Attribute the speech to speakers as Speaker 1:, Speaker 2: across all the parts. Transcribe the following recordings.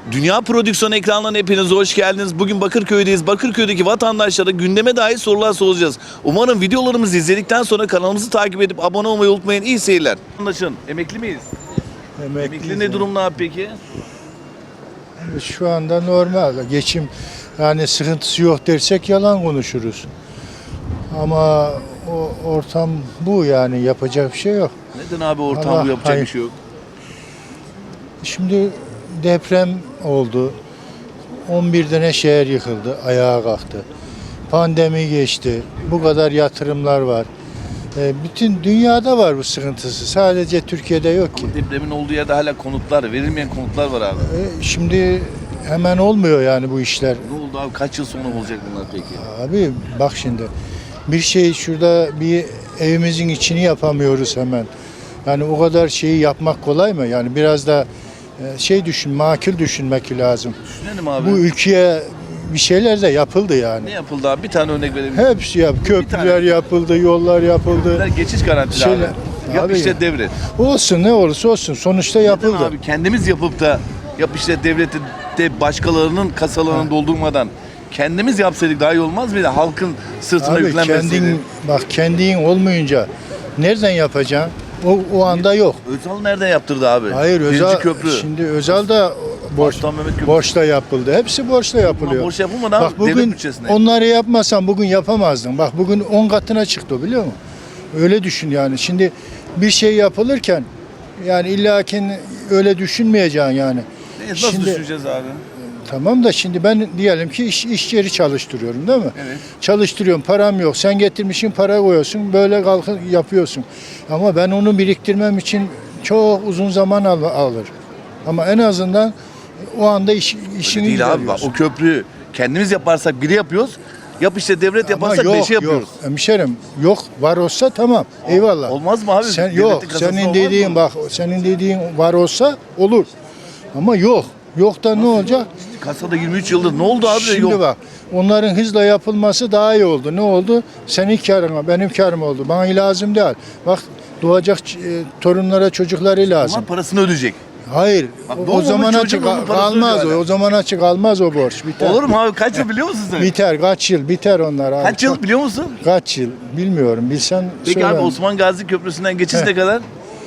Speaker 1: Dünya Prodüksiyon ekranlarına hepiniz hoş geldiniz. Bugün Bakırköy'deyiz. Bakırköy'deki vatandaşlara gündeme dair sorular soracağız. Umarım videolarımızı izledikten sonra kanalımızı takip edip abone olmayı unutmayın. İyi seyirler. Vatandaşın emekli miyiz? Emekli ne durumda abi peki?
Speaker 2: Şu anda normal. Geçim yani sıkıntısı yok dersek yalan konuşuruz. Ama o ortam bu, yani yapacak bir şey yok.
Speaker 1: Neden abi ortam bu, yapacak
Speaker 2: hayır.
Speaker 1: bir şey yok?
Speaker 2: Şimdi deprem oldu. 11 tane şehir yıkıldı, ayağa kalktı. Pandemi geçti. Bu kadar yatırımlar var. Bütün dünyada var bu sıkıntısı. Sadece Türkiye'de yok ki.
Speaker 1: Depremin olduğu yerde hala konutlar, verilmeyen konutlar var abi.
Speaker 2: Şimdi hemen olmuyor yani bu işler.
Speaker 1: Ne oldu abi? Kaç yıl sonra olacak bunlar peki?
Speaker 2: Abi bak şimdi, bir şey şurada, bir evimizin içini yapamıyoruz hemen. Yani o kadar şeyi yapmak kolay mı? Yani biraz da makul düşünmek lazım.
Speaker 1: Düşünelim abi.
Speaker 2: Bu ülkeye bir şeyler de yapıldı yani.
Speaker 1: Ne yapıldı abi? Bir tane örnek verebilir misin?
Speaker 2: Hepsi köprüler yapıldı, yollar yapıldı.
Speaker 1: Bunlar geçiş garantili
Speaker 2: Şeyler-
Speaker 1: abi. Yap
Speaker 2: Abi
Speaker 1: işte
Speaker 2: ya.
Speaker 1: devlet.
Speaker 2: Olsun, ne olursa olsun, sonuçta
Speaker 1: Neden
Speaker 2: yapıldı.
Speaker 1: abi? Kendimiz yapıp da yap işte devleti de başkalarının kasalarını doldurmadan kendimiz yapsaydık daha iyi olmaz mıydı? Halkın sırtına
Speaker 2: Abi
Speaker 1: yüklenmeseydi.
Speaker 2: kendin olmayınca nereden yapacaksın? O anda yok.
Speaker 1: Özal nereden yaptırdı abi?
Speaker 2: Hayır,
Speaker 1: Birinci
Speaker 2: Özal
Speaker 1: köprü.
Speaker 2: şimdi Özal da
Speaker 1: Aslan Mehmet Köprüsü.
Speaker 2: borçla yapıldı. Hepsi borçla yapılıyor.
Speaker 1: Borç yapılmadan
Speaker 2: Bak
Speaker 1: devlet
Speaker 2: bugün
Speaker 1: bütçesine.
Speaker 2: onları yapmasan bugün yapamazdın. Bak bugün 10 katına çıktı, biliyor musun? Öyle düşün yani. Şimdi bir şey yapılırken yani illakin öyle düşünmeyeceksin yani.
Speaker 1: Nasıl
Speaker 2: Şimdi
Speaker 1: düşüneceğiz abi?
Speaker 2: tamam da şimdi ben diyelim ki iş yeri çalıştırıyorum, değil mi?
Speaker 1: Evet.
Speaker 2: Çalıştırıyorum, param yok. Sen getirmişsin, para koyuyorsun. Böyle kalkıp yapıyorsun. Ama ben onu biriktirmem için çok uzun zaman alır. Ama en azından o anda işini
Speaker 1: Değil abi. Bak,
Speaker 2: görüyorsun.
Speaker 1: o köprüyü kendimiz yaparsak biri yapıyoruz. Yap işte devlet yaparsak beşi yapıyoruz.
Speaker 2: Yok. Hemşerim, yok, var olsa tamam. Eyvallah.
Speaker 1: Olmaz mı abi?
Speaker 2: Sen,
Speaker 1: Devletin
Speaker 2: yok.
Speaker 1: kasasında
Speaker 2: Senin
Speaker 1: olmaz
Speaker 2: dediğin
Speaker 1: mı?
Speaker 2: bak, senin dediğin var olsa olur. Ama yok. Yok da ne olacak?
Speaker 1: Kasada 23 yıldır ne oldu abi?
Speaker 2: Şimdi
Speaker 1: Yok.
Speaker 2: bak, onların hızla yapılması daha iyi oldu. Ne oldu? Senin karına, benim karım oldu. Bana lazım değil. Bak, doğacak torunlara, çocukları lazım.
Speaker 1: Ama parasını ödeyecek.
Speaker 2: Hayır.
Speaker 1: Bak,
Speaker 2: O
Speaker 1: doğmamış
Speaker 2: zaman
Speaker 1: çocuğun
Speaker 2: açık
Speaker 1: onun parasını
Speaker 2: kalmaz
Speaker 1: ödüyor
Speaker 2: o.
Speaker 1: hala.
Speaker 2: O zaman açık kalmaz o borç. Biter.
Speaker 1: Olur mu abi? Kaç yıl biliyor musun sen?
Speaker 2: Biter. Kaç yıl? Biter onlar abi.
Speaker 1: Kaç yıl biliyor musun?
Speaker 2: Kaç yıl? Bilmiyorum. Bilsen
Speaker 1: Peki
Speaker 2: söyle.
Speaker 1: abi Osman Gazi Köprüsü'nden geçiş ne kadar?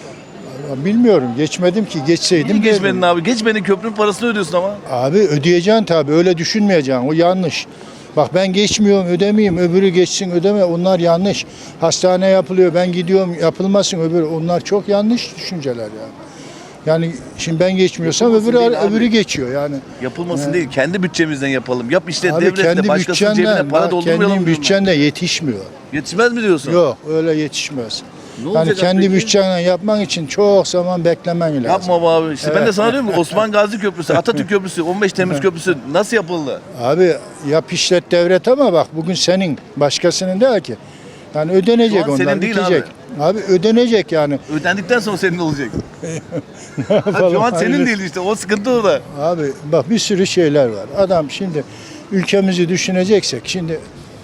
Speaker 2: Bilmiyorum. Geçmedim ki. Geçseydim.
Speaker 1: Niye geçmedin
Speaker 2: derdim.
Speaker 1: abi? Geçmedin, köprünün parasını ödüyorsun ama.
Speaker 2: Abi ödeyeceksin tabii. Öyle düşünmeyeceksin. O yanlış. Bak ben geçmiyorum, ödemeyeyim. Öbürü geçsin, ödeme. Onlar yanlış. Hastane yapılıyor. Ben gidiyorum, yapılmasın öbürü. Onlar çok yanlış düşünceler ya. Yani şimdi ben geçmiyorsam
Speaker 1: Yapılmasın değil abi.
Speaker 2: öbürü geçiyor yani.
Speaker 1: Yapılmasın değil, kendi bütçemizden yapalım. Yap işte
Speaker 2: Abi
Speaker 1: devletle,
Speaker 2: kendi
Speaker 1: başkasının cebine
Speaker 2: bütçenden,
Speaker 1: para
Speaker 2: bak,
Speaker 1: doldurmayalım
Speaker 2: kendin
Speaker 1: diyorum ben.
Speaker 2: bütçende yetişmiyor.
Speaker 1: Yetişmez mi diyorsun?
Speaker 2: Yok, öyle yetişmez.
Speaker 1: Ne
Speaker 2: Yani
Speaker 1: olacak
Speaker 2: kendi
Speaker 1: peki?
Speaker 2: bütçenle yapman için çok zaman beklemen lazım.
Speaker 1: Yapma be abi. İşte ben de
Speaker 2: Evet.
Speaker 1: sana diyorum ki Osman Gazi Köprüsü, Atatürk Köprüsü, 15 Temmuz Köprüsü nasıl yapıldı?
Speaker 2: Abi yap işlet devlet, ama bak bugün senin, başkasının değil ki. Yani ödenecek,
Speaker 1: Şu an senin
Speaker 2: onlar
Speaker 1: değil
Speaker 2: bitecek. Abi ödenecek yani.
Speaker 1: Ödendikten sonra senin olacak.
Speaker 2: Ne yapalım,
Speaker 1: Şu an senin
Speaker 2: hayırlısı.
Speaker 1: değil işte. O sıkıntı orada.
Speaker 2: Abi bak bir sürü şeyler var. Adam şimdi ülkemizi düşüneceksek şimdi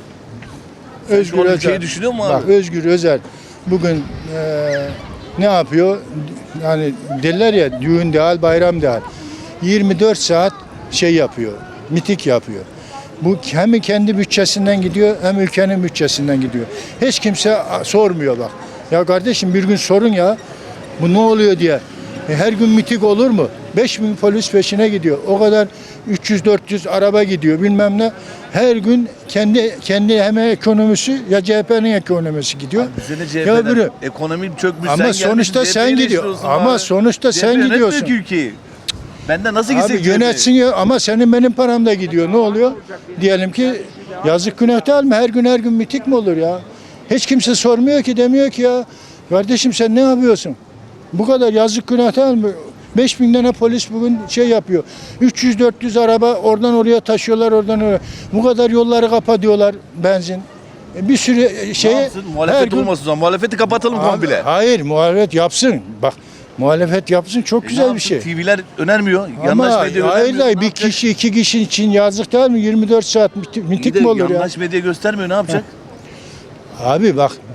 Speaker 1: Şu an ülkeyi düşünüyor mu abi?
Speaker 2: Bak Özgür Özel bugün ne yapıyor? Yani derler ya, düğün değil, bayram değil. 24 saat şey yapıyor, miting yapıyor. Bu hem kendi bütçesinden gidiyor hem ülkenin bütçesinden gidiyor. Hiç kimse sormuyor bak. Ya kardeşim bir gün sorun ya, bu ne oluyor diye. Her gün miting olur mu? 5.000 polis peşine gidiyor. O kadar 300-400 araba gidiyor bilmem ne. Her gün kendi hem ekonomisi ya CHP'nin ekonomisi gidiyor.
Speaker 1: Bize de
Speaker 2: Ya
Speaker 1: CHP'den
Speaker 2: öbürü.
Speaker 1: ekonomi çökmüş.
Speaker 2: Ama sonuçta sen gidiyor. Ama sonuçta sen gidiyorsun.
Speaker 1: Ki ülkeyi. Benden nasıl
Speaker 2: Abi
Speaker 1: gitsek
Speaker 2: yönetsin ya, ama senin benim param da gidiyor. Ne oluyor? Diyelim ki yazık, günah değil mi? Her gün miting mi olur ya? Hiç kimse sormuyor ki, demiyor ki ya kardeşim sen ne yapıyorsun? Bu kadar yazık, günah değil mi? 5.000 tane polis bugün şey yapıyor. 300-400 araba oradan oraya taşıyorlar, oradan oraya. Bu kadar yolları kapatıyorlar, benzin. Bir sürü şeye.
Speaker 1: Ne yapsın? Muhalefet olmasın o zaman. Muhalefeti kapatalım komple.
Speaker 2: Hayır, muhalefet yapsın. Bak, muhalefet yapsın, çok güzel bir şey.
Speaker 1: TV'ler önermiyor.
Speaker 2: Ama
Speaker 1: Yandaş medya
Speaker 2: hayır
Speaker 1: önermiyor.
Speaker 2: da
Speaker 1: Ne
Speaker 2: bir
Speaker 1: yapacak?
Speaker 2: kişi, iki kişi için yazık değil mi? 24 saat
Speaker 1: İyi
Speaker 2: miting
Speaker 1: de
Speaker 2: mi olur ya?
Speaker 1: yandaş medya göstermiyor. Ne yapacak?
Speaker 2: Abi bak,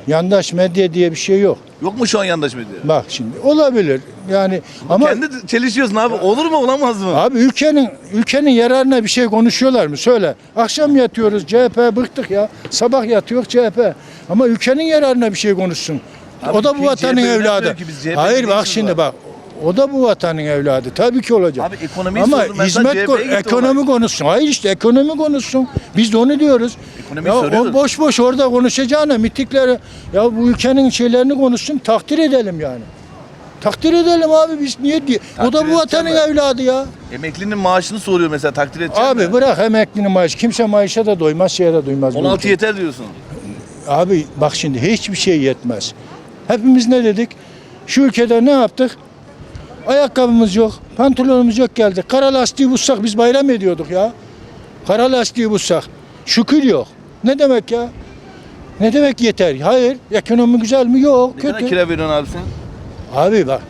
Speaker 2: Yandaş medya diye bir şey yok.
Speaker 1: Yok mu şu an yandaş medya?
Speaker 2: Bak şimdi olabilir. Yani ama
Speaker 1: Kendi çelişiyorsun abi. Olur mu olamaz mı?
Speaker 2: abi ülkenin yararına bir şey konuşuyorlar mı? Söyle. Akşam yatıyoruz CHP bıktık ya. Sabah yatıyor CHP. Ama ülkenin yararına bir şey konuşsun.
Speaker 1: Abi
Speaker 2: O da bu
Speaker 1: ülkeyi
Speaker 2: vatanın
Speaker 1: CHP
Speaker 2: evladı.
Speaker 1: yönetmiyor ki, biz CHP'nin
Speaker 2: Hayır bak
Speaker 1: neyimiz
Speaker 2: şimdi
Speaker 1: var?
Speaker 2: bak. O da bu vatanın evladı. Tabii ki olacak.
Speaker 1: Abi ekonomiyi
Speaker 2: ama
Speaker 1: sordum, ben sana CHP'ye gitti
Speaker 2: ekonomi konuşsun. Hayır işte ekonomi konuşsun. Biz de onu diyoruz.
Speaker 1: Ekonomiyi
Speaker 2: Ya
Speaker 1: soruyoruz.
Speaker 2: o boş boş orada konuşacağına mitikleri ya bu ülkenin şeylerini konuşsun takdir edelim yani. Takdir edelim abi biz niye diye. O da
Speaker 1: Takdir
Speaker 2: bu vatanın
Speaker 1: edeceğim
Speaker 2: evladı ya.
Speaker 1: Emeklinin maaşını soruyor mesela, takdir edeceğim
Speaker 2: Abi
Speaker 1: mi?
Speaker 2: bırak emeklinin maaşı. Kimse maaşa da doymaz, şeye de doymaz. bu
Speaker 1: 16
Speaker 2: ülkede.
Speaker 1: yeter diyorsun.
Speaker 2: Abi bak şimdi hiçbir şey yetmez. Hepimiz ne dedik? Şu ülkede ne yaptık? Ayakkabımız yok, pantolonumuz yok geldi. Kara lastiği bulsak biz bayram ediyorduk ya. Kara lastiği bulsak. Şükür yok. Ne demek ya? Ne demek yeter? Hayır. Ekonomi güzel mi? Yok.
Speaker 1: Ne kadar
Speaker 2: Kötü.
Speaker 1: kira veriyorsun abi sen?
Speaker 2: Abi bak.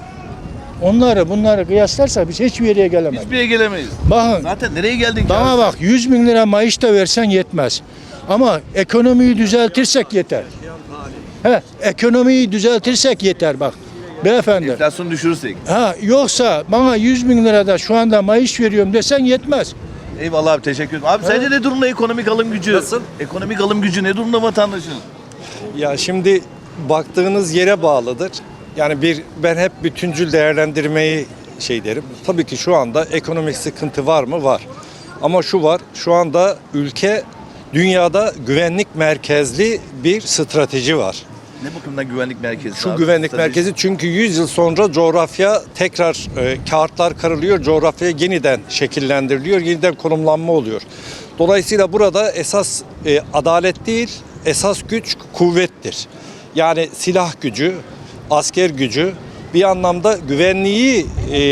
Speaker 2: Bunları kıyaslarsak biz hiçbir yere gelemeyiz.
Speaker 1: Hiçbir yere gelemeyiz.
Speaker 2: Bakın
Speaker 1: Zaten nereye geldin ki
Speaker 2: bana
Speaker 1: abi?
Speaker 2: bak 100 bin lira maaş da versen yetmez. Ama ekonomiyi düzeltirsek yeter. Ekonomiyi düzeltirsek yeter bak. Beyefendi.
Speaker 1: Enflasyonu düşürürsek.
Speaker 2: Yoksa bana 100 bin lirada şu anda maaş veriyorum desen yetmez.
Speaker 1: Eyvallah abi, teşekkür ederim. Abi sence ne durumda ekonomik alım gücü?
Speaker 3: Nasıl?
Speaker 1: Ekonomik alım gücü ne durumda vatandaşın?
Speaker 3: Ya şimdi baktığınız yere bağlıdır. Yani ben hep bütüncül değerlendirmeyi derim. Tabii ki şu anda ekonomik sıkıntı var mı? Var. Ama şu var, şu anda ülke dünyada güvenlik merkezli bir strateji var.
Speaker 1: Ne bakımdan güvenlik merkezi?
Speaker 3: Şu
Speaker 1: abi?
Speaker 3: güvenlik
Speaker 1: Strateji.
Speaker 3: merkezi çünkü 100 yıl sonra coğrafya tekrar kağıtlar karılıyor, coğrafya yeniden şekillendiriliyor, yeniden konumlanma oluyor. Dolayısıyla burada esas adalet değil, esas güç kuvvettir. Yani silah gücü, asker gücü bir anlamda güvenliği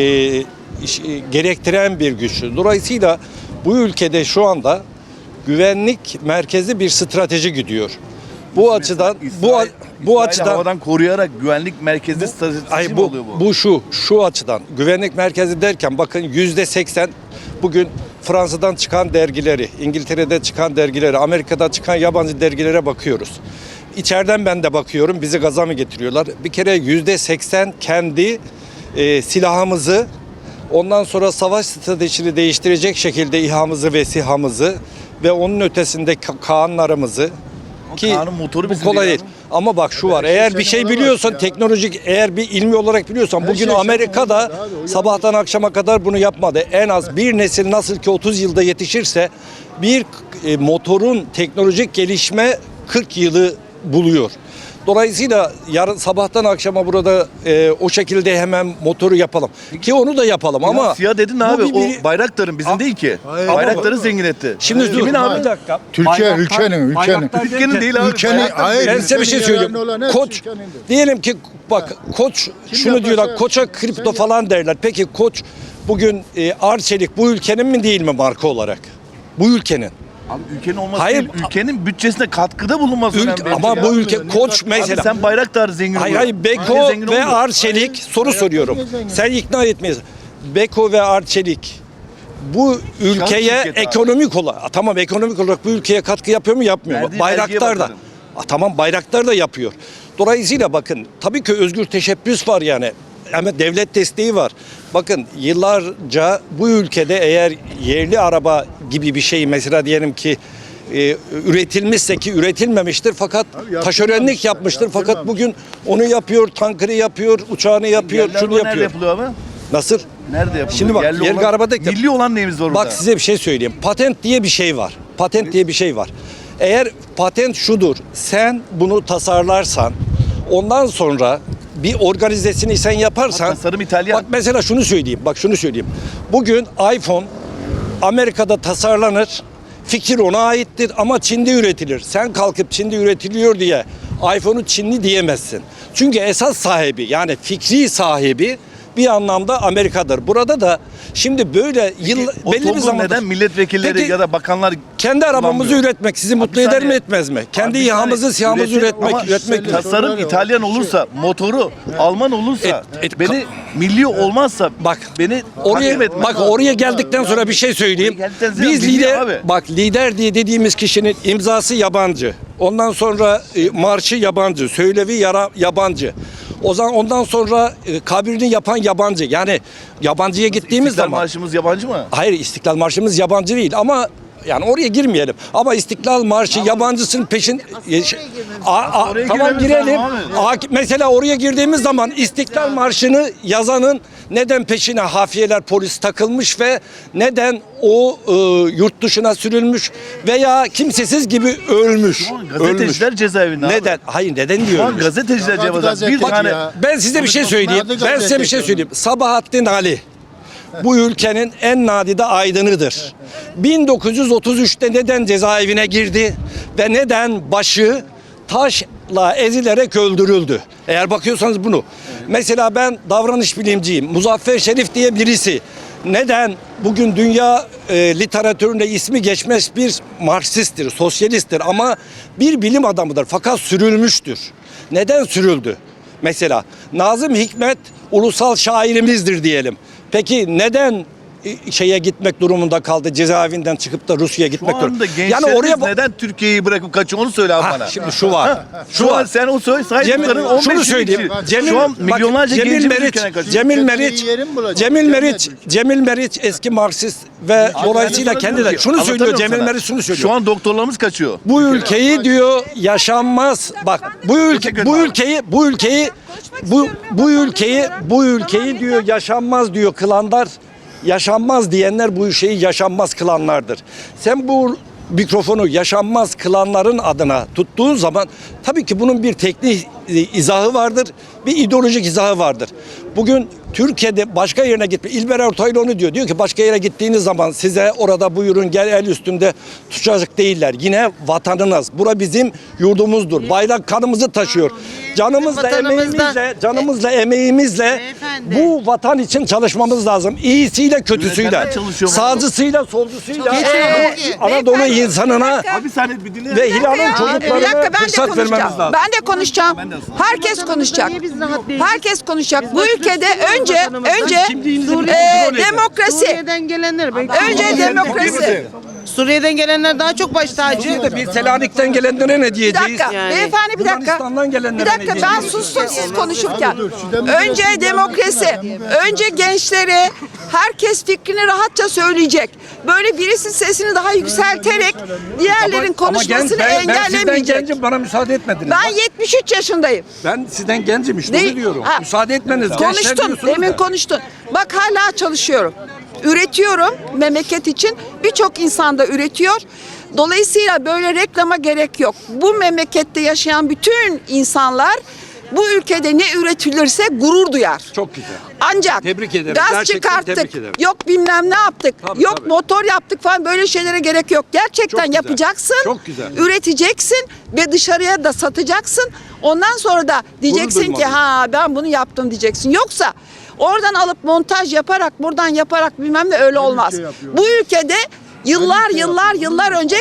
Speaker 3: gerektiren bir güçtür. Dolayısıyla bu ülkede şu anda güvenlik merkezi bir strateji gidiyor. Bu açıdan
Speaker 1: İsrail
Speaker 3: açıdan
Speaker 1: havadan koruyarak güvenlik merkezi stratejisi mi oluyor bu?
Speaker 3: bu şu açıdan güvenlik merkezi derken bakın %80 bugün Fransa'dan çıkan dergileri, İngiltere'de çıkan dergileri, Amerika'da çıkan yabancı dergilere bakıyoruz. İçeriden ben de bakıyorum, bizi gaza mı getiriyorlar? Bir kere %80 kendi silahımızı, ondan sonra savaş stratejisini değiştirecek şekilde İHA'mızı ve SİHA'mızı ve onun ötesinde Kaanlarımızı, ki
Speaker 1: Kaan'ın motoru
Speaker 3: bu
Speaker 1: bizim
Speaker 3: kolay
Speaker 1: değil
Speaker 3: değil. Ama bak şu var.
Speaker 2: her şey
Speaker 3: Eğer bir
Speaker 2: senin
Speaker 3: şey
Speaker 2: olamaz
Speaker 3: biliyorsan,
Speaker 2: ya.
Speaker 3: teknolojik eğer bir ilmi olarak biliyorsan,
Speaker 2: Her
Speaker 3: bugün
Speaker 2: şey senin
Speaker 3: Amerika'da
Speaker 2: olamaz abi, o
Speaker 3: sabahtan akşama kadar bunu yapmadı. En az bir nesil nasıl ki 30 yılda yetişirse bir motorun teknolojik gelişme 40 yılı buluyor. Dolayısıyla yarın sabahtan akşama burada o şekilde hemen motoru yapalım. Ki onu da yapalım ama
Speaker 1: Ya siyah dedin
Speaker 3: bu
Speaker 1: abi,
Speaker 3: bir-
Speaker 1: o Bayraktar'ın bizim değil ki.
Speaker 2: Hayır.
Speaker 1: Bayraktar'ı zengin etti.
Speaker 3: Şimdi dur.
Speaker 1: Kimin abi?
Speaker 3: Bir dakika.
Speaker 2: Türkiye, ülkenin.
Speaker 1: Ülkenin değil abi.
Speaker 2: Ülkenin,
Speaker 1: Bayraktar
Speaker 2: hayır.
Speaker 3: Ben size bir şey
Speaker 2: ülkenin
Speaker 3: söyleyeyim.
Speaker 2: yararına olan hepsi
Speaker 3: Koç
Speaker 2: ülkenindir.
Speaker 3: diyelim ki bak Koç şunu
Speaker 2: yaparsa
Speaker 3: diyorlar,
Speaker 2: yapsın.
Speaker 3: Koç'a kripto
Speaker 2: Sen
Speaker 3: falan derler. Peki Koç bugün Arçelik bu ülkenin mi değil mi marka olarak? Bu ülkenin.
Speaker 1: Abi ülkenin olması
Speaker 3: Hayır.
Speaker 1: değil, ülkenin bütçesine katkıda bulunması önemli.
Speaker 3: Ama bu ülke Koç
Speaker 1: Abi
Speaker 3: mesela.
Speaker 1: sen Bayraktar zengin
Speaker 3: Hayır
Speaker 1: oluyor.
Speaker 3: hayır Beko
Speaker 1: Ülke zengin
Speaker 3: ve
Speaker 1: olmuyor.
Speaker 3: Arçelik soru
Speaker 2: Hayır,
Speaker 3: soruyorum.
Speaker 2: niye zengin?
Speaker 3: Sen ikna etmeyiz. Beko ve Arçelik bu ülkeye
Speaker 1: şirketi abi.
Speaker 3: ekonomik olarak tamam ekonomik olarak bu ülkeye katkı yapıyor mu yapmıyor mu?
Speaker 1: Verdiği vergiye
Speaker 3: Bayraktar da.
Speaker 1: bakarım.
Speaker 3: Tamam Bayraktar da yapıyor. Dolayısıyla bakın tabii ki özgür teşebbüs var yani. Ama devlet desteği var. Bakın yıllarca bu ülkede eğer yerli araba gibi bir şey mesela diyelim ki üretilmişse ki üretilmemiştir fakat
Speaker 2: yaptırmamışlar,
Speaker 3: taşeronluk yapmıştır fakat bugün onu yapıyor, tankını yapıyor, uçağını yapıyor,
Speaker 1: Yerli
Speaker 3: şunu
Speaker 1: araba nerede
Speaker 3: yapıyor.
Speaker 1: yapılıyor abi?
Speaker 3: Nasıl?
Speaker 1: Nerede yapılıyor?
Speaker 3: Şimdi bak yerli
Speaker 1: olan-
Speaker 3: araba değil de-
Speaker 1: Milli olan neyimiz var orada?
Speaker 3: Bak size bir şey söyleyeyim. Patent diye bir şey var. Patent diye bir şey var. Eğer patent şudur. Sen bunu tasarlarsan ondan sonra bir organizesini sen yaparsan
Speaker 1: Tasarım İtalyan.
Speaker 3: Bak mesela şunu söyleyeyim. Bak şunu söyleyeyim. Bugün iPhone Amerika'da tasarlanır. Fikir ona aittir ama Çin'de üretilir. Sen kalkıp Çin'de üretiliyor diye iPhone'u Çinli diyemezsin. Çünkü esas sahibi yani fikri sahibi bir anlamda Amerika'dır. Burada da şimdi böyle
Speaker 1: O
Speaker 3: belli bir
Speaker 1: toplum
Speaker 3: zamanda
Speaker 1: neden milletvekilleri
Speaker 3: Peki,
Speaker 1: ya da bakanlar
Speaker 3: kendi arabamızı
Speaker 1: kullanmıyor?
Speaker 3: üretmek sizi mutlu
Speaker 1: bir
Speaker 3: eder
Speaker 1: saniye.
Speaker 3: mi etmez mi? Kendi
Speaker 1: Abi bir
Speaker 3: İHA'mızı,
Speaker 1: saniye,
Speaker 3: SİHA'mızı
Speaker 1: üretim ama
Speaker 3: üretmek
Speaker 1: tasarım
Speaker 2: Sorular
Speaker 1: İtalyan
Speaker 2: var.
Speaker 1: olursa, motoru Alman olursa, beni milli olmazsa
Speaker 3: Bak
Speaker 1: beni
Speaker 3: oraya
Speaker 1: takip etmez.
Speaker 3: bak oraya geldikten sonra bir şey söyleyeyim.
Speaker 1: Oraya geldikten sonra
Speaker 3: Biz
Speaker 1: milli
Speaker 3: lider
Speaker 1: abi.
Speaker 3: bak lider diye dediğimiz kişinin imzası yabancı. Ondan sonra marşı yabancı, söylevi yabancı. O zaman ondan sonra kabrini yapan yabancı. Yani yabancıya gittiğimiz
Speaker 1: İstiklal
Speaker 3: zaman
Speaker 1: Marşımız yabancı mı?
Speaker 3: hayır, İstiklal Marşımız yabancı değil ama yani oraya girmeyelim. Ama İstiklal Marşı yabancısının peşin
Speaker 1: Oraya
Speaker 3: tamam
Speaker 1: girmemiz
Speaker 3: girelim.
Speaker 1: lazım
Speaker 3: Mesela oraya girdiğimiz zaman İstiklal Marşı'nı yazanın neden peşine hafiyeler, polis takılmış ve neden o yurt dışına sürülmüş veya kimsesiz gibi ölmüş.
Speaker 1: Gazeteciler cezaevinde abi.
Speaker 3: Neden? Hayır, neden
Speaker 1: Şu an
Speaker 3: diyorum?
Speaker 1: gazeteciler
Speaker 2: Hadi
Speaker 1: cezaevinde. Bir
Speaker 2: gazeteci
Speaker 1: tane
Speaker 2: ya.
Speaker 3: Ben size bir şey söyleyeyim.
Speaker 2: Hadi
Speaker 3: Ben size bir şey söyleyeyim. Sabahattin Ali bu ülkenin en nadide aydınıdır. 1933'te neden cezaevine girdi ve neden başı taşla ezilerek öldürüldü? Eğer bakıyorsanız bunu. Mesela ben davranış bilimciyim. Muzaffer Şerif diye birisi neden bugün dünya literatüründe ismi geçmez bir Marksisttir, sosyalisttir ama bir bilim adamıdır fakat sürülmüştür. Neden sürüldü? Mesela Nazım Hikmet ulusal şairimizdir diyelim. Peki neden şeye gitmek durumunda kaldı, cezaevinden çıkıp da Rusya'ya
Speaker 1: şu
Speaker 3: gitmek
Speaker 1: anda
Speaker 3: durumunda?
Speaker 1: gençlerimiz neden Türkiye'yi bırakıp kaçıyor onu söyle abi bana.
Speaker 3: Şimdi şu var.
Speaker 1: Şu an sen o söyle saydıkların 15
Speaker 3: şunu söyleyeyim.
Speaker 1: Şu an milyonlarca gencimiz ülkeden kaçıyor.
Speaker 3: Cemil Meriç eski Marksist ve dolayısıyla kendileri şunu söylüyor. Cemil Meriç şunu söylüyor.
Speaker 1: Şu an doktorlarımız kaçıyor.
Speaker 3: Bu ülkeyi diyor yaşanmaz. Bak bu ülkeyi diyor yaşanmaz diyor kılanlar. Yaşanmaz diyenler bu şeyi yaşanmaz kılanlardır. Sen bu mikrofonu yaşanmaz kılanların adına tuttuğun zaman tabii ki bunun bir teknik izahı vardır, bir ideolojik izahı vardır. Bugün Türkiye'de başka yerine gitme. İlber Ortaylı onu diyor. Diyor ki başka yere gittiğiniz zaman size orada buyurun gel el üstünde tutacak değiller. Yine vatanınız. Bura bizim yurdumuzdur. Bayrak kanımızı taşıyor. Canımızla, emeğimizle
Speaker 4: Beyefendi.
Speaker 3: bu vatan için çalışmamız lazım. İyisiyle, kötüsüyle,
Speaker 1: Yönetenler çalışıyor mu?
Speaker 3: sağcısıyla, solcusuyla,
Speaker 4: Kesinlikle.
Speaker 3: Anadolu insanına
Speaker 1: Abi saniye bir dinle.
Speaker 3: ve Hilal'ın
Speaker 5: Bir dakika
Speaker 3: çocuklarına
Speaker 5: ben de
Speaker 3: fırsat vermemiz
Speaker 5: konuşacağım.
Speaker 3: lazım.
Speaker 5: Ben de konuşacağım. Herkes konuşacak. Herkes konuşacak. Bu ülkede önce demokrasi.
Speaker 4: Suriye'den gelenler.
Speaker 5: Önce demokrasi.
Speaker 4: Suriye'den gelenler daha çok baş tacı.
Speaker 3: Bir Selanik'ten gelenlere ne
Speaker 5: Bir
Speaker 3: diyeceğiz?
Speaker 5: dakika.
Speaker 4: Yani.
Speaker 5: Beyefendi bir dakika.
Speaker 3: Yunanistan'dan gelenlere
Speaker 5: Bir
Speaker 3: ne
Speaker 5: dakika ben
Speaker 3: diyeceğiz?
Speaker 5: sustum siz konuşurken. Önce demokrasi. Önce gençleri herkes fikrini rahatça söyleyecek. Böyle birisi sesini daha yükselterek diğerlerin konuşmasını
Speaker 3: ben sizden
Speaker 5: engellemeyecek.
Speaker 3: gencim, bana müsaade etmediniz.
Speaker 5: Ben 73 yaşındayım.
Speaker 3: Ben sizden gencim işte onu diyorum.
Speaker 5: Ha.
Speaker 3: Müsaade etmeniz. Gençler
Speaker 5: Konuştun,
Speaker 3: diyorsunuz
Speaker 5: demin
Speaker 3: da.
Speaker 5: konuştun. Bak hala çalışıyorum. Üretiyorum memleket için. Birçok insan da üretiyor. Dolayısıyla böyle reklama gerek yok. Bu memlekette yaşayan bütün insanlar bu ülkede ne üretilirse gurur duyar.
Speaker 3: Çok güzel.
Speaker 5: Ancak
Speaker 3: Tebrik ederim.
Speaker 5: gaz
Speaker 3: Gerçekten
Speaker 5: çıkarttık,
Speaker 3: tebrik ederim.
Speaker 5: yok bilmem ne yaptık,
Speaker 3: Tabii,
Speaker 5: yok
Speaker 3: tabii.
Speaker 5: motor yaptık falan böyle şeylere gerek yok. Gerçekten
Speaker 3: Çok güzel.
Speaker 5: yapacaksın,
Speaker 3: Çok güzel.
Speaker 5: üreteceksin ve dışarıya da satacaksın. Ondan sonra da diyeceksin ki
Speaker 3: duymalıyım.
Speaker 5: ha ben bunu yaptım diyeceksin. Yoksa oradan alıp montaj yaparak buradan yaparak bilmem ne öyle olmaz. Bu ülkede yıllar önce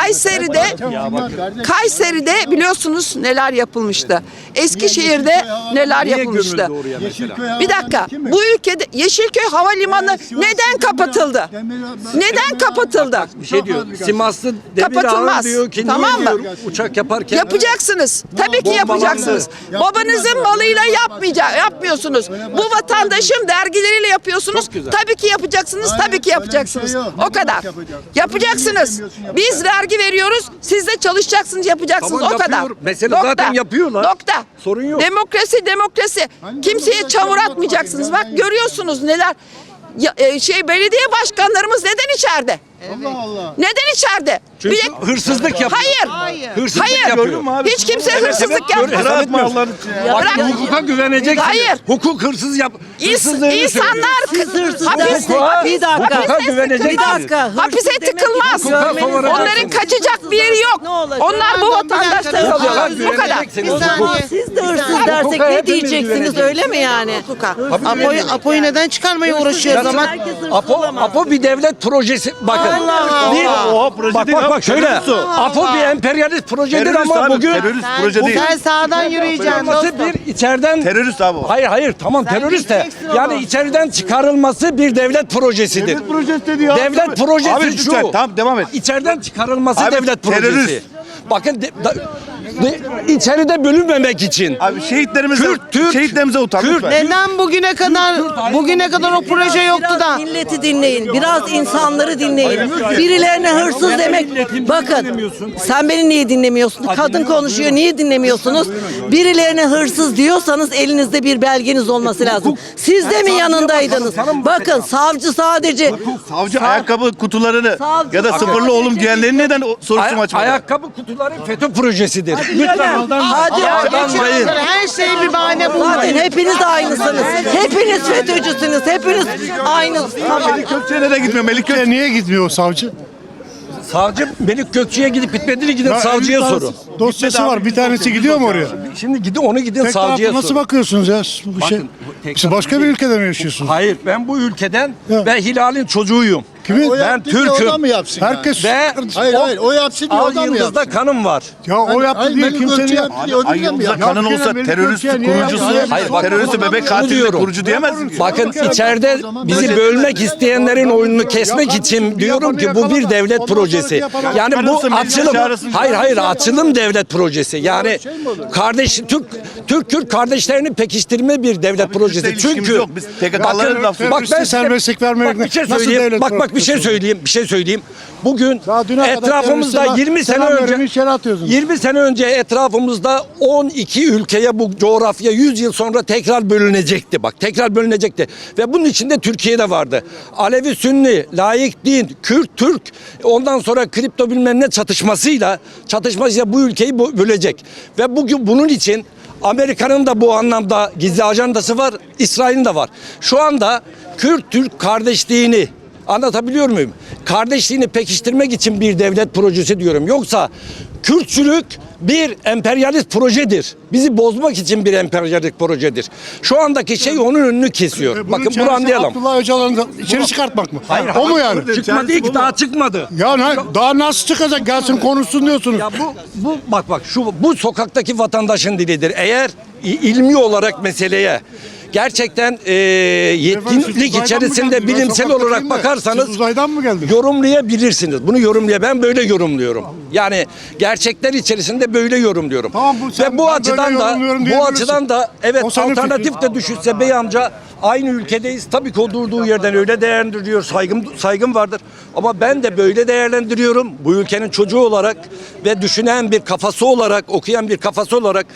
Speaker 5: Kayseri'de biliyorsunuz neler yapılmıştı. Eskişehir'de neler
Speaker 3: Niye
Speaker 5: yapılmıştı.
Speaker 3: gömüldü oraya mesela?
Speaker 5: Bir dakika. Bu ülkede Yeşilköy Havalimanı neden kapatıldı? Neden kapatıldı?
Speaker 3: Bir şey diyor. Simaslı Demir
Speaker 5: Kapatılmaz.
Speaker 3: Ağır diyor ki
Speaker 5: Tamam
Speaker 3: niye
Speaker 5: mı?
Speaker 3: diyor uçak yaparken
Speaker 5: Yapacaksınız. Tabii ki yapacaksınız. Babanızın malıyla yapmıyorsunuz. Bu vatandaşın vergileriyle yapıyorsunuz.
Speaker 3: Çok güzel.
Speaker 5: Tabii ki yapacaksınız. Tabii ki yapacaksınız. O kadar. Yapacaksınız. Biz vergi veriyoruz. Siz de çalışacaksınız, yapacaksınız.
Speaker 3: Tamam,
Speaker 5: O kadar.
Speaker 3: yapıyor. Mesela zaten yapıyorlar.
Speaker 5: Nokta.
Speaker 3: Sorun yok.
Speaker 5: Demokrasi. Kimseye çamur atmayacaksınız. Bak görüyorsunuz neler. Belediye başkanlarımız neden içeride?
Speaker 2: Allah Allah.
Speaker 5: Neden içeride?
Speaker 3: Çünkü
Speaker 5: Bir de-
Speaker 3: hırsızlık yapıyor.
Speaker 5: Hayır.
Speaker 3: Hırsızlık
Speaker 5: Hayır.
Speaker 3: yapıyor.
Speaker 5: Hiç kimse hırsızlık
Speaker 3: evet,
Speaker 5: yapmaz.
Speaker 3: hesap etmiyor.
Speaker 1: Allah'ın için ya.
Speaker 3: Bak,
Speaker 5: Bırak.
Speaker 3: hukuka güveneceksiniz.
Speaker 5: Hayır.
Speaker 3: Hukuk hırsız hırsızlığını söylüyor.
Speaker 5: İnsanlar
Speaker 3: Hukuka güveneceksiniz.
Speaker 5: hapise tıkılmaz.
Speaker 3: Hukuka
Speaker 5: Onların
Speaker 3: soracaksınız.
Speaker 5: kaçacak bir yeri yok. Onlar bu vatandaşları alıyorlar. Bu kadar.
Speaker 3: Güveneceksiniz.
Speaker 4: Siz de hırsız
Speaker 3: Hukuka
Speaker 4: dersek ne
Speaker 3: hepimiz
Speaker 4: diyeceksiniz
Speaker 3: güveneceğiz.
Speaker 4: öyle mi yani? Apo'yu neden çıkarmaya uğraşıyor o zaman?
Speaker 3: Apo bir devlet projesi. Bakın.
Speaker 1: Oha, proje
Speaker 3: Bak
Speaker 1: değil abi,
Speaker 3: şöyle.
Speaker 1: terörist o.
Speaker 3: Apo bir emperyalist projedir
Speaker 1: Terörist
Speaker 3: ama
Speaker 1: abi,
Speaker 3: bugün
Speaker 1: terörist proje değil.
Speaker 4: Sen sağdan yürüyeceksin
Speaker 3: çıkarılması
Speaker 4: dostum.
Speaker 3: bir içeriden
Speaker 1: Terörist abi o.
Speaker 3: Hayır tamam terörist de
Speaker 4: gideceksin
Speaker 3: yani
Speaker 4: ama.
Speaker 3: içeriden çıkarılması bir devlet projesidir.
Speaker 1: Devlet projesi dedi ya.
Speaker 3: Devlet projesi
Speaker 1: Abi
Speaker 3: şu.
Speaker 1: lütfen tamam devam et.
Speaker 3: İçeriden çıkarılması
Speaker 1: Abi,
Speaker 3: devlet projesi.
Speaker 1: terörist.
Speaker 3: Bakın içeride bölünmemek için.
Speaker 1: Abi şehitlerimize,
Speaker 3: Türk,
Speaker 1: şehitlerimize utan
Speaker 3: Kürt.
Speaker 1: lütfen.
Speaker 4: Neden bugüne kadar o proje yoktu da?
Speaker 6: Milleti dinleyin. Biraz insanları dinleyin. Birilerine hırsız demek. Bakın sen beni niye dinlemiyorsun? Kadın konuşuyor. Niye dinlemiyorsunuz? Birilerine hırsız diyorsanız elinizde bir belgeniz olması lazım. Siz de mi yanındaydınız? Bakın savcı sadece
Speaker 1: Savcı ayakkabı kutularını
Speaker 6: Savcı-
Speaker 1: ya da sıfırlı oğlum diyenlerin neden soruşturma açmadı?
Speaker 3: Ayakkabı kutuları FETÖ projesidir. Lütfen
Speaker 6: hadi
Speaker 3: aldanmayın.
Speaker 4: Her şey bir bahane
Speaker 6: zaten
Speaker 4: bulmayın.
Speaker 6: hepiniz aynısınız. Hepiniz FETÖ'cüsünüz. Hepiniz aynısınız. Tamam.
Speaker 1: Melik Gökçe'ye nereye gitmiyor? Melik Gökçe
Speaker 7: Niye gitmiyor o savcı?
Speaker 3: Savcı Melik Gökçe'ye gidip bitmediğini gidin
Speaker 7: Ya
Speaker 3: savcıya
Speaker 7: bir
Speaker 3: sorun.
Speaker 7: Dosyası var. Bir tanesi gidiyor mu oraya?
Speaker 3: Şimdi gidin
Speaker 7: Tek
Speaker 3: savcıya
Speaker 7: taraflı nasıl
Speaker 3: sorun.
Speaker 7: bakıyorsunuz ya? Bu şey,
Speaker 3: tek
Speaker 7: siz başka bir ülkede mi yaşıyorsunuz?
Speaker 3: Hayır, ben bu ülkeden
Speaker 7: Ya.
Speaker 3: ve Hilal'in çocuğuyum.
Speaker 7: Kimin?
Speaker 3: Ben Türk'üm.
Speaker 2: yapsın
Speaker 7: Herkes
Speaker 3: Ve
Speaker 2: o yapsın
Speaker 3: Al Yıldız'da kanım var.
Speaker 7: ya o yaptı diye kimsenin
Speaker 1: Ay Yıldız'a kanın olsa terörist kurucusu,
Speaker 3: Hayır, bak,
Speaker 1: teröristi bebek katili
Speaker 3: diyorum.
Speaker 1: kurucu diyemez mi?
Speaker 3: Bakın içeride bizi bölmek isteyenlerin oyununu kesmek için diyorum ki bu bir devlet projesi. Yani bu açılım, hayır açılım devlet projesi. Yani Türk kardeşlerini pekiştirme bir devlet projesi.
Speaker 1: ilişkimiz
Speaker 3: Çünkü
Speaker 1: yok. Biz PKK'ların lafı.
Speaker 3: bak ben
Speaker 7: serbestlik vermek
Speaker 3: bir şey
Speaker 7: nasıl
Speaker 3: söyleyeyim.
Speaker 7: devlet
Speaker 3: Bak bir şey söyleyeyim. Bugün
Speaker 7: Daha düne kadar
Speaker 3: etrafımızda
Speaker 7: teröriste
Speaker 3: 20 sene
Speaker 7: selam
Speaker 3: önce
Speaker 7: verin, içeri atıyorsunuz.
Speaker 3: 20 sene önce etrafımızda 12 ülkeye bu coğrafya 100 yıl sonra tekrar bölünecekti. Bak tekrar bölünecekti. Ve bunun içinde Türkiye'de vardı. Alevi, Sünni, laik din, Kürt, Türk, ondan sonra kripto bilmem ne çatışmasıyla bu ülkeyi bölecek. Ve bugün bunun için Amerika'nın da bu anlamda gizli ajandası var, İsrail'in de var. Şu anda Kürt-Türk kardeşliğini anlatabiliyor muyum? Kardeşliğini pekiştirmek için bir devlet projesi diyorum. Yoksa Kürtçülük bir emperyalist projedir. Bizi bozmak için bir emperyalist projedir. Şu andaki şey onun önünü kesiyor. Bakın bunu anlayalım.
Speaker 7: Abdullah Öcalan'ı içeri çıkartmak mı?
Speaker 3: Hayır,
Speaker 7: o mu yani?
Speaker 3: Çıkmadı ki daha çıkmadı.
Speaker 7: Ya daha nasıl çıkacak? Gelsin konuşsun diyorsunuz.
Speaker 3: Ya bak bu sokaktaki vatandaşın dilidir. Eğer ilmi olarak meseleye gerçekten yetkinlik içerisinde bilimsel olarak bakarsanız
Speaker 7: Siz uzaydan mı geldiniz?
Speaker 3: yorumlayabilirsiniz. Bunu ben böyle yorumluyorum. Yani gerçekler içerisinde böyle yorumluyorum.
Speaker 7: Tamam,
Speaker 3: ve bu
Speaker 7: ben
Speaker 3: açıdan
Speaker 7: böyle
Speaker 3: da
Speaker 7: yorumluyorum
Speaker 3: bu
Speaker 7: diyebilirsin.
Speaker 3: açıdan da evet
Speaker 7: O senin
Speaker 3: alternatif
Speaker 7: fikrin.
Speaker 3: de düşünse bey amca aynı ülkedeyiz. Tabii ki o durduğu yerden öyle değerlendiriyor. Saygım vardır. Ama ben de böyle değerlendiriyorum. Bu ülkenin çocuğu olarak ve düşünen bir kafası olarak, okuyan bir kafası olarak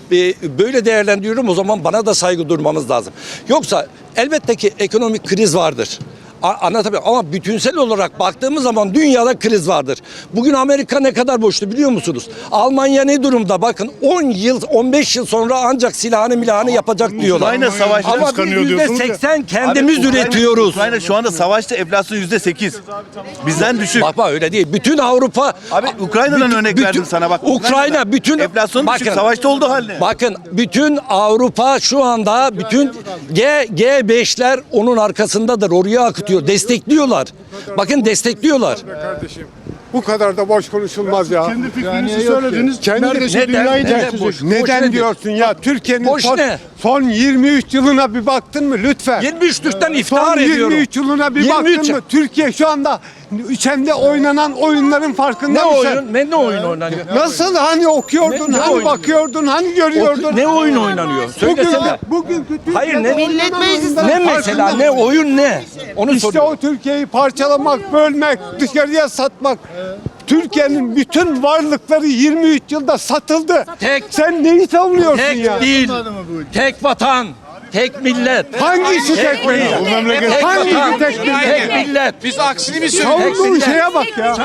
Speaker 3: böyle değerlendiriyorum. O zaman bana da saygı durmamız lazım. Yoksa elbette ki ekonomik kriz vardır. Anlatabiliyor ama bütünsel olarak baktığımız zaman dünyada kriz vardır. Bugün Amerika ne kadar borçlu biliyor musunuz? Almanya ne durumda? Bakın 10 yıl 15 yıl sonra ancak silahını yapacak diyorlar.
Speaker 1: Ukrayna savaşta
Speaker 3: Ama biz
Speaker 7: kıskanıyor diyorsunuz ya.
Speaker 3: %80 kendimiz üretiyoruz.
Speaker 1: Ukrayna şu anda savaşta enflasyon %8. Bizden düşük.
Speaker 3: Bak öyle değil. Bütün Avrupa
Speaker 1: Abi Ukrayna'dan örnek verdim sana bak.
Speaker 3: Ukrayna bütün
Speaker 1: enflasyon düşük, savaşta olduğu halde.
Speaker 3: Bakın bütün Avrupa şu anda bütün G5'ler onun arkasındadır. Oraya akıtıyor. Destekliyorlar. Bakın destekliyorlar.
Speaker 8: Kardeşim bu kadar da boş konuşulmaz ya.
Speaker 7: Kendi fikrinizi söylediniz.
Speaker 8: Kendi-
Speaker 7: Neredeyse
Speaker 3: Neden?
Speaker 7: dünyayı
Speaker 3: Neden
Speaker 7: ters
Speaker 3: boş?
Speaker 7: edecek.
Speaker 8: Neden
Speaker 3: nedir?
Speaker 8: diyorsun ya? Türkiye'nin
Speaker 3: Boş ne?
Speaker 8: son 23 yılına bir baktın mı lütfen?
Speaker 3: 23'lükten
Speaker 8: Son
Speaker 3: iftihar
Speaker 8: 23
Speaker 3: ediyorum.
Speaker 8: yılına bir
Speaker 3: 23
Speaker 8: baktın mı? Türkiye şu anda içinde oynanan oyunların farkında
Speaker 3: Ne
Speaker 8: mısın?
Speaker 3: oyun? Ne oyun oynanıyor?
Speaker 8: Nasıl hani okuyordun,
Speaker 3: Ne
Speaker 8: hani
Speaker 3: oyun?
Speaker 8: bakıyordun, hani görüyordun?
Speaker 3: Ne oyun oynanıyor? Söylesene.
Speaker 8: Bugünkü
Speaker 3: Hayır, ne-
Speaker 8: Millet
Speaker 3: Ne mesela? Ne oyun ne? Onu
Speaker 8: İşte
Speaker 3: soruyorum.
Speaker 8: o Türkiye'yi parçalamak, bölmek, dışarıya satmak. Türkiye'nin bütün varlıkları 23 yılda satıldı. Sen neyi savunuyorsun
Speaker 3: Tek
Speaker 8: ya?
Speaker 3: değil. Tek vatan. Tek millet.
Speaker 8: Hangisi tek millet?
Speaker 3: Tek
Speaker 8: Hangisi
Speaker 3: vatan.
Speaker 8: tek millet?
Speaker 3: Tek millet.
Speaker 9: Biz aksini mi söylüyoruz?
Speaker 8: Savunduğun şeye bak ya.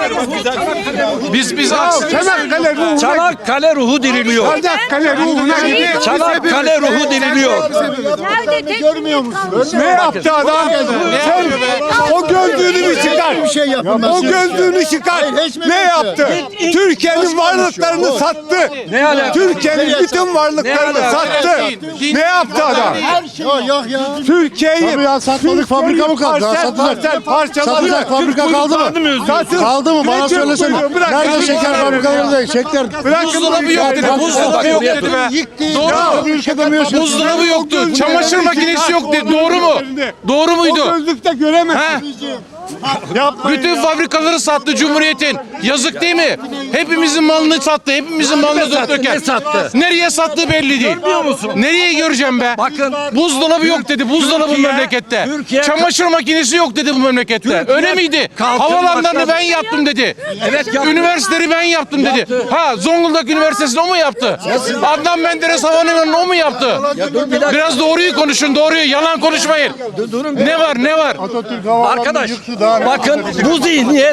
Speaker 9: Biz aksini mi
Speaker 8: Çanakkale ruhuna git.
Speaker 3: Çanakkale ruhu diriliyor.
Speaker 8: Çanakkale ruhuna git.
Speaker 3: Çanakkale ruhu diriliyor.
Speaker 10: Görmüyor musun?
Speaker 8: Ne yaptı adam? Sen o gözlüğünü bir çıkar.
Speaker 10: Bir şey yapın.
Speaker 8: O gözlüğünü çıkar. Ne yaptı? Türkiye'nin varlıklarını sattı.
Speaker 3: Ne alaka?
Speaker 8: Türkiye'nin bütün varlıklarını
Speaker 3: Ne alaka?
Speaker 8: sattı. Ne yaptı adam?
Speaker 10: Yok ya.
Speaker 8: Türkiye'yi
Speaker 7: Tabii ya, satmadık, fabrika mı kaldı? Ya satacak.
Speaker 8: parçaladı.
Speaker 7: Satacak fabrika kaldı mı? Kaldı mı? Bana söylesene. Nerede şeker fabrikaları değil? Şeker.
Speaker 9: Buzdolabı yok dedi. Buzdolabı yok dedi be.
Speaker 7: Doğru. Bir ülke demiyorsun.
Speaker 9: Buzdolabı yoktu. Çamaşır makinesi yok dedi. Doğru mu? Doğru
Speaker 8: O
Speaker 9: muydu?
Speaker 8: gözlükte göremezsin.
Speaker 9: Bütün fabrikaları sattı Cumhuriyet'in. Yazık değil mi? Hepimizin malını sattı. Hepimizin malını döken.
Speaker 3: Ne sattı?
Speaker 9: Nereye sattığı belli değil.
Speaker 3: Biliyor musun?
Speaker 9: Nereye göreceğim be?
Speaker 3: Bakın.
Speaker 9: Buzdolabı yok dedi. Buzdolabı
Speaker 3: Türkiye-
Speaker 9: memlekette.
Speaker 3: Türkiye-
Speaker 9: Çamaşır makinesi yok dedi bu memlekette. Öyle miydi?
Speaker 3: kalkın
Speaker 9: Havalanlarını
Speaker 3: başladı.
Speaker 9: ben yaptım dedi.
Speaker 3: Evet, yaptı.
Speaker 9: Üniversiteleri ben yaptım dedi. Ha, Zonguldak Üniversitesi'ni o mu yaptı? Adnan Menderes Havalimanı'nı o mu yaptı? Biraz doğruyu konuşun, doğruyu. Yalan konuşmayın. Ne var, ne var?
Speaker 3: Arkadaş bakın bu zihniyet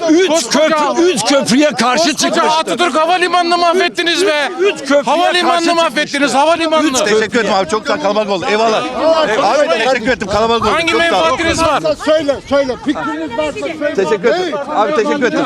Speaker 3: üç köprüye karşı
Speaker 9: Koskoca
Speaker 3: çıkmıştır.
Speaker 9: Atatürk Havalimanı'nı mahvettiniz be.
Speaker 3: köprüye
Speaker 9: Havalimanı'nı
Speaker 3: karşı
Speaker 9: mahvettiniz, havalimanını.
Speaker 1: Teşekkür ederim abi. Çok sağ kalabalık oldu. Eyvallah. Abi teşekkür ettim. Kalabalık oldu.
Speaker 9: Hangi
Speaker 1: Çok sağ ol.
Speaker 9: menfaatiniz var?
Speaker 10: Söyle. Fikriniz varsa söyle.
Speaker 1: Teşekkür ederim. Abi teşekkür ederim.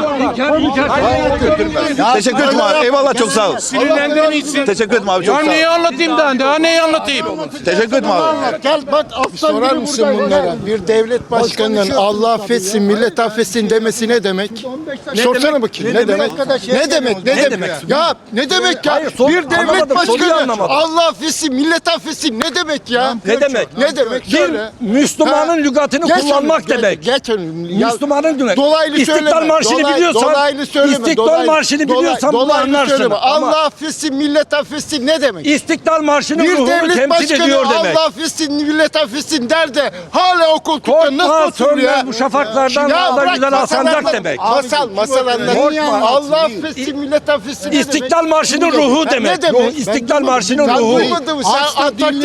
Speaker 1: Teşekkür ederim abi. Eyvallah çok sağ ol.
Speaker 9: Sinirlendirmeyin.
Speaker 1: Teşekkür ederim abi çok
Speaker 9: Ya
Speaker 1: sağ ol.
Speaker 9: neyi anlatayım daha neyi anlatayım?
Speaker 1: Teşekkür ederim abi.
Speaker 10: Gel bak aslan
Speaker 2: Sorar
Speaker 10: gibi
Speaker 2: mısın
Speaker 10: burada.
Speaker 2: bunlara? Bir devlet başkanının Allah affetsin, millet affetsin demesi ne demek? Sorsana bakayım. Ne demek? Ne demek? Ne demek? Ya ne demek ya?
Speaker 3: Hayır,
Speaker 2: Bir devlet
Speaker 3: anlamadım, soruyu
Speaker 2: başkanı
Speaker 3: anlamadım.
Speaker 2: Allah affetsin, millet affetsin ne demek ya?
Speaker 3: Ne demek?
Speaker 2: Ne demek?
Speaker 3: Bir
Speaker 2: Söyle.
Speaker 3: Müslümanın lügatını
Speaker 2: Geç
Speaker 3: kullanmak
Speaker 2: onu,
Speaker 3: demek.
Speaker 2: Geç onu. Ya,
Speaker 3: Müslümanın lügatı.
Speaker 2: dolaylı
Speaker 3: İstiklal
Speaker 2: söyleme.
Speaker 3: Marşı'nı biliyorsan,
Speaker 2: dolaylı söyleme.
Speaker 3: İstiklal Marşı'nı biliyorsan bunu
Speaker 2: dolaylı
Speaker 3: anlarsın.
Speaker 2: söyleme.
Speaker 3: Ama
Speaker 2: Allah affetsin, millet affetsin ne demek?
Speaker 3: İstiklal Marşı'nın
Speaker 2: Bir
Speaker 3: ruhunu
Speaker 2: devlet
Speaker 3: temsil
Speaker 2: başkanı
Speaker 3: ediyor demek.
Speaker 2: Allah affetsin, millet affetsin der de hala o koltukta
Speaker 3: Korkma,
Speaker 2: nasıl oturuyor ya?
Speaker 3: sönmez bu şafaklardan daha da
Speaker 2: bırak,
Speaker 3: güzel
Speaker 2: masal
Speaker 3: asancak
Speaker 2: anlat.
Speaker 3: demek.
Speaker 2: Masal anlat.
Speaker 3: Korkma.
Speaker 2: Allah affetsin, millet affetsin ne demek?
Speaker 3: İstiklal Marşı'nın ruhu
Speaker 2: Ne
Speaker 3: demek.
Speaker 2: demek?
Speaker 3: İstiklal Marşı'nın
Speaker 2: Sen
Speaker 3: ruhu.
Speaker 2: duymadın mı? Sen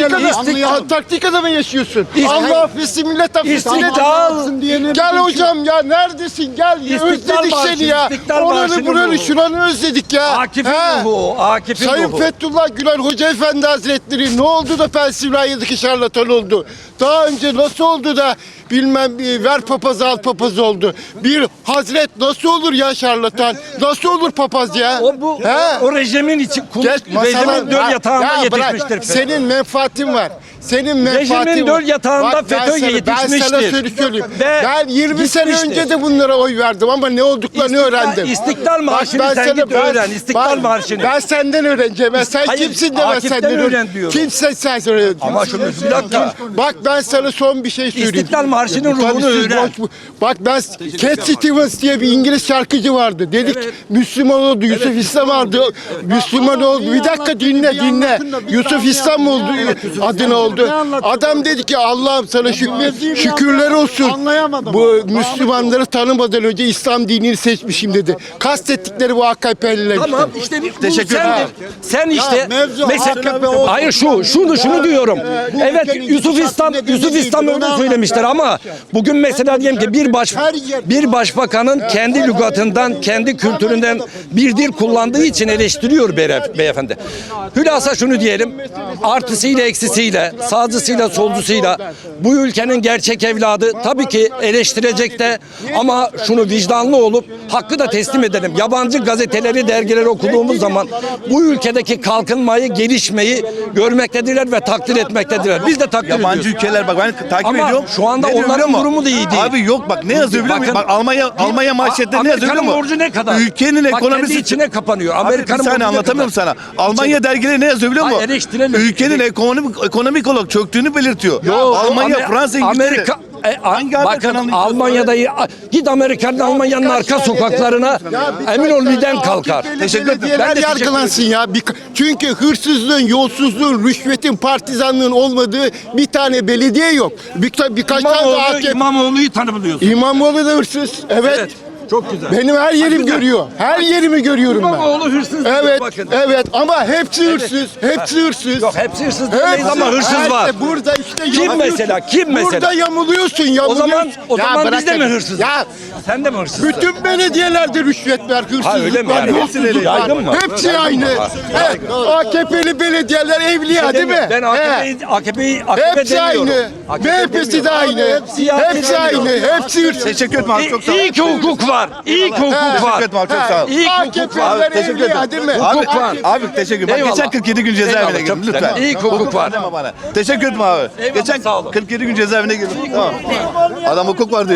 Speaker 2: Antarktika'da mı yaşıyorsun?
Speaker 3: İstiklal-
Speaker 2: Allah affetsin, millet affetsin ne
Speaker 3: İstiklal-
Speaker 2: demek? Gel hocam ya, neredesin? Gel. Özledik
Speaker 3: Marşı,
Speaker 2: seni ya.
Speaker 3: İstiklal
Speaker 2: Oranı
Speaker 3: Marşı'nın
Speaker 2: buranı
Speaker 3: ruhu.
Speaker 2: şuranı özledik ya.
Speaker 3: Akif'in
Speaker 2: He?
Speaker 3: ruhu, Akif'in
Speaker 2: Sayın
Speaker 3: ruhu.
Speaker 2: Fethullah Gülen Hoca Efendi Hazretleri ne oldu da Pensilvanya'daki şarlatan oldu? Daha önce nasıl oldu da bilmem ver papaz al papaz oldu? Bir hazret nasıl olur ya şarlatan? Nasıl olur papaz ya?
Speaker 3: O rejimin için rejimin döl yatağında yetişmiştir.
Speaker 2: Senin menfaatin var. Senin menfaatin
Speaker 3: Rejimin
Speaker 2: var.
Speaker 3: döl yatağında
Speaker 2: Bak,
Speaker 3: FETÖ
Speaker 2: Ben sana
Speaker 3: yetişmiştir.
Speaker 2: söyleyeyim.
Speaker 3: Ve
Speaker 2: Ben 20 sene
Speaker 3: gitmiştir.
Speaker 2: önce de bunlara oy verdim ama ne olduklarını öğrendim.
Speaker 3: İstiklal Marşı'nı
Speaker 2: Bak,
Speaker 3: sen git öğren. İstiklal
Speaker 2: bak,
Speaker 3: Marşı'nı.
Speaker 2: Ben senden öğreneceğim. Sen
Speaker 3: Hayır,
Speaker 2: kimsin de ben
Speaker 3: Akif'ten
Speaker 2: senden
Speaker 3: öğren diyorum.
Speaker 2: Kimsen sen öğren.
Speaker 3: Ama şunu bir dakika.
Speaker 2: Bak ben sana son bir şey söyleyeyim.
Speaker 3: İstiklal Marşı'nın
Speaker 2: Tabii
Speaker 3: ruhunu
Speaker 2: siz
Speaker 3: öğren.
Speaker 2: Bak ben Cat Stevens diye bir İngiliz şarkıcı vardı. Dedik Müslüman oldu. Yusuf İslam vardı. Müslüman oldu. Bir dakika dinle. Yusuf İslam oldu. Adına oldu. Adam dedi ki Allah'ım sana şükürler olsun. Bu Müslümanları tanımadan önce İslam dinini seçmişim dedi. Kastettikleri bu AKP'liler işte.
Speaker 3: Tamam işte
Speaker 1: Teşekkür ederim.
Speaker 3: sen işte
Speaker 10: mevzu
Speaker 3: mesela
Speaker 10: AKP olsun.
Speaker 3: hayır şunu diyorum. Evet Yusuf İslam öyle söylemişler ama bugün mesela diyelim ki bir başbakanın kendi lügatından, kendi kültüründen bir dil kullandığı için eleştiriyor beyefendi. Hülasa şunu diyelim. Artısıyla eksisiyle, sağcısıyla solcusuyla bu ülkenin gerçek evladı tabii ki eleştirecek de ama şunu vicdanlı olup hakkı da teslim edelim. Yabancı gazeteleri, dergileri okuduğumuz zaman bu ülkedeki kalkınmayı, gelişmeyi görmektedirler ve takdir etmektedirler. Biz de takdir
Speaker 1: Yabancı
Speaker 3: ediyoruz.
Speaker 1: ülkeler bak ben takip
Speaker 3: Ama
Speaker 1: ediyorum.
Speaker 3: şu anda
Speaker 1: Ne diyor
Speaker 3: onların
Speaker 1: biliyor musun?
Speaker 3: durumu da iyi değil.
Speaker 1: Abi yok bak ne yazıyor biliyor musun?
Speaker 3: Bakın,
Speaker 1: Bak Almanya manşetleri ne yazıyor biliyor
Speaker 3: Amerika'nın
Speaker 1: musun?
Speaker 3: borcu ne kadar?
Speaker 1: Ülkenin
Speaker 3: Bak,
Speaker 1: ekonomisi
Speaker 3: kendi içine kapanıyor.
Speaker 1: Abi bir
Speaker 3: Amerika'nın borcu
Speaker 1: saniye
Speaker 3: ne
Speaker 1: anlatamıyorum
Speaker 3: kadar?
Speaker 1: sana. Almanya dergileri ne yazıyor biliyor
Speaker 3: Ay,
Speaker 1: musun?
Speaker 3: eleştirelim.
Speaker 1: Ülkenin ekonomik olarak çöktüğünü belirtiyor.
Speaker 3: Yo,
Speaker 1: Almanya, Fransa, İngiltere.
Speaker 3: Amerika,
Speaker 1: Hangi haber
Speaker 3: bakın
Speaker 1: kanalını
Speaker 3: Almanya'da git Almanya'nın arka sokaklarına emin ol miden kalkar.
Speaker 1: Teşekkür ederim.
Speaker 2: Belediyeler
Speaker 3: Ben de teşekkür
Speaker 2: yargılansın ya. Çünkü hırsızlığın, yolsuzluğun, rüşvetin, partizanlığın olmadığı bir tane belediye yok. Birkaç tane daha
Speaker 3: İmamoğlu'yu tanımlıyorsun.
Speaker 2: İmamoğlu da hırsız. Evet.
Speaker 3: Çok güzel.
Speaker 2: Benim her yerim görüyor. Her yerimi görüyorum ben.
Speaker 3: İmamoğlu hırsız.
Speaker 2: Evet,
Speaker 3: bakın.
Speaker 2: evet ama hepsi hırsız. Hepsi hırsız.
Speaker 3: Yok hepsi hırsız demeyiz ama hırsız var.
Speaker 2: Burada işte
Speaker 3: Kim
Speaker 2: yamuluyorsun.
Speaker 3: mesela? Kim mesela?
Speaker 2: Burada yamuluyorsun.
Speaker 3: O zaman
Speaker 2: Ya
Speaker 3: biz de mi
Speaker 2: bırakın.
Speaker 3: hırsızız?
Speaker 2: Ya
Speaker 3: Sen de mi hırsızsın?
Speaker 2: bütün belediyelerde rüşvet var, hırsızlık
Speaker 3: Ha, öyle mi
Speaker 2: var,
Speaker 3: yani?
Speaker 2: yolsuzluk
Speaker 3: Yaygın
Speaker 2: var.
Speaker 3: mı?
Speaker 2: Hepsi
Speaker 3: Yaygın
Speaker 2: aynı.
Speaker 3: mı?
Speaker 2: Evet, AKP'li belediyeler evliya değil mi?
Speaker 3: Ben
Speaker 2: He.
Speaker 3: AKP'yi
Speaker 2: Hepsi
Speaker 3: demiyorum.
Speaker 2: aynı. MHP'si de aynı.
Speaker 3: Siyaset
Speaker 2: Hepsi aynı. Hepsi hırsız.
Speaker 1: Teşekkür ederim abi çok sağ ol.
Speaker 3: İyi ki hukuk var. İyi ki hukuk
Speaker 1: Teşekkür
Speaker 3: var.
Speaker 1: ederim abi çok sağ ol.
Speaker 3: İyi ki hukuk var.
Speaker 2: AKP'liler
Speaker 1: Teşekkür
Speaker 2: evliya
Speaker 1: ederim.
Speaker 2: değil mi?
Speaker 1: Abi,
Speaker 3: var.
Speaker 1: abi teşekkür ederim. Bak,
Speaker 3: Eyvallah.
Speaker 1: geçen 47 gün cezaevine
Speaker 3: Eyvallah,
Speaker 1: girdim
Speaker 3: çok güzel.
Speaker 1: lütfen.
Speaker 3: İyi ki hukuk var.
Speaker 1: Bana. Teşekkür ederim abi.
Speaker 3: Eyvallah,
Speaker 1: Geçen
Speaker 3: sağ olun.
Speaker 1: 47 gün cezaevine girdim. Tamam. Adam hukuk var diyor.